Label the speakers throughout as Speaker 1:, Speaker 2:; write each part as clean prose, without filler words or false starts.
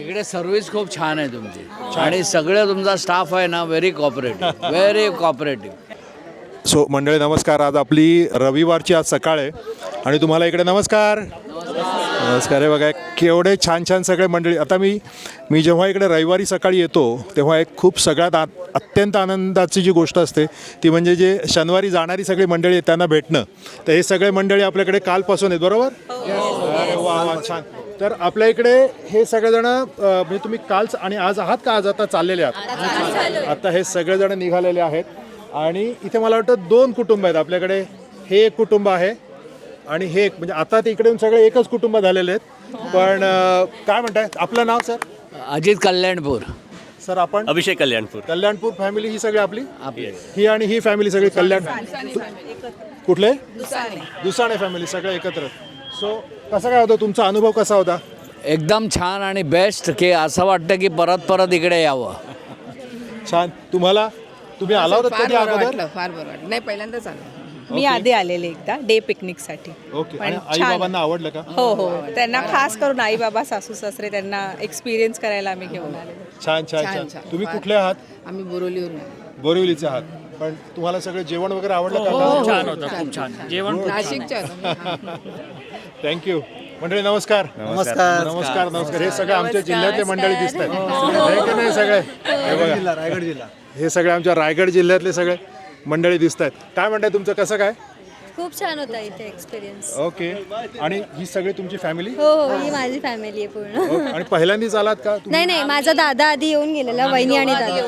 Speaker 1: इकडे सर्व्हिस खूप छान आहे तुमची आणि सगळं तुमचा स्टाफ आहे ना very cooperative very cooperative.
Speaker 2: So मंडळी नमस्कार. आज आपली रविवारची आज सकाळ आहे आणि तुम्हाला इकडे नमस्कार नमस्कार. हे बघा केवढे छान छान सगळे मंडळी. आता मी जेव्हा इकडे रविवारी सकाळी येतो तेव्हा एक खूप सगळ्यात अत्यंत आनंदाची जी गोष्ट असते ती म्हणजे जे शनिवारी जाणारी सगळी मंडळी आहेत त्यांना भेटणं. तर हे सगळे मंडळी आपल्याकडे कालपासून आहेत बरोबर. अरे वा वा छान. तर आपल्या इकडे हे सगळेजण म्हणजे तुम्ही काल आणि आज आहात का आज आता चाललेले आहात. आता हे सगळेजण निघालेले आहेत आणि इथे मला वाटतं 2 कुटुंब आहेत आपल्याकडे. हे एक कुटुंब आहे आणि हे एक म्हणजे आता ते इकडे सगळे एकच कुटुंब झालेले आहेत. पण काय म्हणताय आपलं नाव सर.
Speaker 1: अजित कल्याणपूर.
Speaker 2: सर आपण
Speaker 3: अभिषेक
Speaker 2: कल्याणपूर फॅमिली ही सगळी आपली ही आणि ही फॅमिली सगळी कल्याण कुठले दुसाणे फॅमिली सगळे एकत्र. सो कसा काय होता तुमचा अनुभव कसा होता.
Speaker 1: एकदम छान आणि बेस्ट की असं वाटतं की परत परत इकडे यावं.
Speaker 2: छान. तुम्ही आला होता कधी अगोदर.
Speaker 4: फार बरं वाटलं. नाही पहिल्यांदाच आलो
Speaker 5: मी आधी आलेले एकदा डे पिकनिकसाठी.
Speaker 2: ओके. आणि आई बाबांना आवडलं का.
Speaker 5: हो हो त्यांना खास करून आई बाबा सासू सासरे त्यांना एक्सपिरियन्स करायला आम्ही घेऊन आले.
Speaker 2: छान छान छान. तुम्ही कुठले आहात.
Speaker 4: आम्ही बोरिवलीवरून आलो.
Speaker 2: बोरिवलीचे आहात. पण तुम्हाला सगळं जेवण वगैरे आवडलं का.
Speaker 3: छान होतं खूप छान जेवण.
Speaker 4: नाशिकच्या होतो.
Speaker 2: थँक्यू. मंडळी नमस्कार नमस्कार नमस्कार नमस्कार. हे सगळे आमच्या जिल्ह्यातले मंडळी दिसत आहेत नाही सगळे. हे बघा रायगड जिल्हा हे सगळे आमच्या रायगड जिल्ह्यातले सगळे मंडळी दिसत आहेत. काय म्हणताय तुमचं कसं काय.
Speaker 6: खूप छान होता इथे एक्सपिरियन्स.
Speaker 2: ओके. आणि ही सगळी तुमची फॅमिली.
Speaker 6: हो हो ही माझी फॅमिली आहे पूर्ण.
Speaker 2: आणि पहिल्यांदाच आलात का
Speaker 6: नाही नाही माझा दादा आधी येऊन गेलेला वहिनी आणि दादा.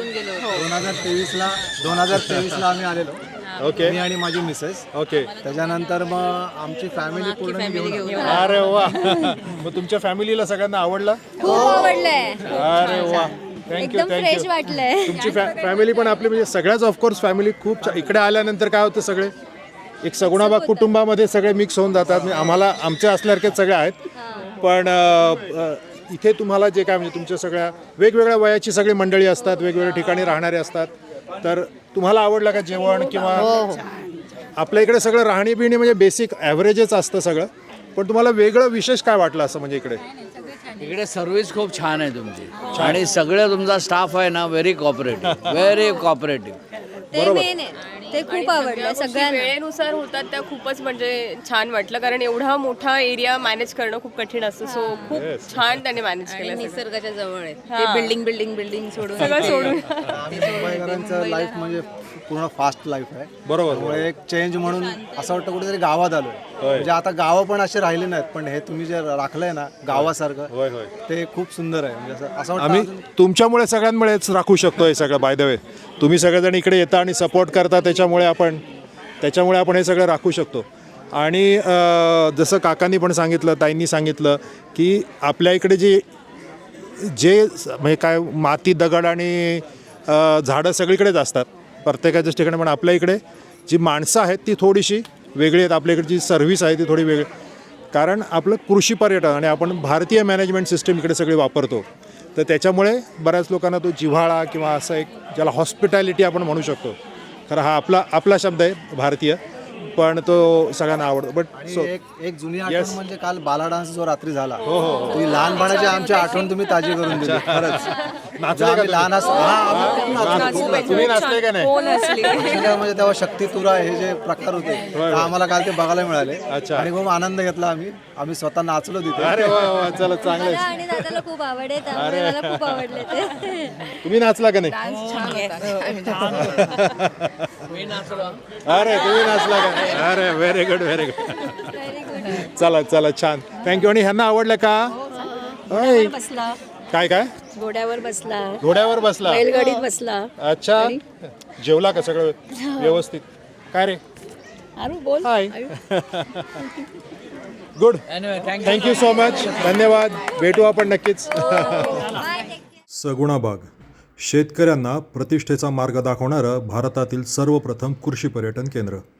Speaker 7: 2023ला आम्ही आलेलो.
Speaker 2: ओके.
Speaker 7: मी आणि माझी मिसेस.
Speaker 2: ओके.
Speaker 7: त्याच्यानंतर मग आमची फॅमिली पूर्ण घेऊन
Speaker 2: अरे वा. मग तुमच्या फॅमिलीला सगळ्यांना आवडलं.
Speaker 6: खूप आवडलंय.
Speaker 2: अरे वा. थँक्यू
Speaker 6: एकदम फ्रेश
Speaker 2: थँक्यू.
Speaker 6: वाटलंय.
Speaker 2: तुमची फॅमिली पण आपली म्हणजे सगळ्याच ऑफकोर्स फॅमिली खूप इकडे आल्यानंतर काय होतं सगळे एक सगुणाबाग कुटुंबामध्ये सगळे मिक्स होऊन जातात. म्हणजे आम्हाला आमच्या असल्यासारखेच सगळे आहेत. पण इथे तुम्हाला जे काय म्हणजे तुमच्या सगळ्या वेगवेगळ्या वयाची सगळी मंडळी असतात वेगवेगळ्या ठिकाणी राहणारे असतात. तर तुम्हाला आवडलं का जेवण किंवा आपल्या इकडे सगळं राहणी बिणी म्हणजे बेसिक ॲव्हरेजच असतं सगळं. पण तुम्हाला वेगळं विशेष काय वाटलं असं म्हणजे
Speaker 1: इकडे सर्व्हिस खूप छान आहे तुमची आणि सगळं तुमचा स्टाफ आहे ना व्हेरी कॉपरेटिव्ह व्हेरी कॉपरेटिव्ह.
Speaker 6: ते मेन आहे. ते खूप आवडलं सगळ्यांना.
Speaker 8: वेळेनुसार होतात त्या खूपच म्हणजे छान वाटलं कारण एवढा मोठा एरिया मॅनेज करणं खूप कठीण असतं. सो खूप छान त्याने मॅनेज केलं.
Speaker 4: निसर्गाच्या जवळ आहे ते बिल्डिंग सोडून
Speaker 8: सगळं सोडून
Speaker 7: मुंबईकरांचं लाईफ म्हणजे पूर्ण फास्ट लाईफ आहे.
Speaker 2: बरोबर.
Speaker 7: त्यामुळे एक चेंज म्हणून असं वाटतं कुठेतरी गावात आलो. म्हणजे आता गावं पण असे राहिले नाहीत पण हे तुम्ही जे राखलंय ना गावासारखं ते खूप सुंदर आहे. म्हणजे असं वाटतं
Speaker 2: आम्ही तुमच्यामुळे सगळ्यांमुळेच राखू शकतो हे सगळं. बाय द वे तुम्ही सगळेजण इकडे येता आणि सपोर्ट करता त्याच्यामुळे आपण हे सगळं राखू शकतो. आणि जसं काकांनी पण सांगितलं ताईंनी सांगितलं की आपल्या इकडे जे म्हणजे काय माती दगड आणि झाडं सगळीकडेच असतात प्रत्येकाच्याच ठिकाणी. पण आपल्या इकडे जी माणसं आहेत ती थोडीशी वेगळी आहेत. आपल्या इकडे जी सर्व्हिस आहे ती थोडी वेगळी कारण आपलं कृषी पर्यटन आणि आपण भारतीय मॅनेजमेंट सिस्टीम इकडे सगळी वापरतो. तर त्याच्यामुळे बऱ्याच लोकांना तो जिव्हाळा किंवा असं एक ज्याला हॉस्पिटॅलिटी आपण म्हणू शकतो. खरं हा आपला शब्द आहे भारतीय पण तो सगळ्यांना आवडतो. बट सो
Speaker 7: एक जुनी आठवण म्हणजे काल बाला डान्स जो रात्री झाला ती लहानपणाची आमची आठवण तुम्ही ताजी करून दिली. खरंच लहान
Speaker 2: तुम्ही नाचले का नाही.
Speaker 7: म्हणजे तेव्हा शक्ती तुरा हे जे प्रकार होते आम्हाला काल ते बघायला मिळाले. आणि खूप आनंद घेतला आम्ही स्वतः नाचलो तिथे.
Speaker 2: अरे वा वा चला चांगलं.
Speaker 6: मला आणि दादाला खूप आवड आहे त्यामुळे मला खूप आवडले ते.
Speaker 2: तुम्ही नाचला का नाही. अरे तुम्ही नाचला का. अरे व्हेरी गुड व्हेरी गुड. चला छान थँक्यू. आणि ह्यांना आवडलं का.
Speaker 5: बसला
Speaker 2: काय
Speaker 5: घोड्यावर बसला
Speaker 6: बैलगाडीत बसला.
Speaker 2: अच्छा. जेवला का सगळं व्यवस्थित. काय रे
Speaker 5: बोल.
Speaker 2: Hi. Good. Thank you so much. धन्यवाद. भेटू आपण नक्कीच. सगुणाबाग शेतकऱ्यांना प्रतिष्ठेचा मार्ग दाखवणारं भारतातील सर्वप्रथम कृषी पर्यटन केंद्र.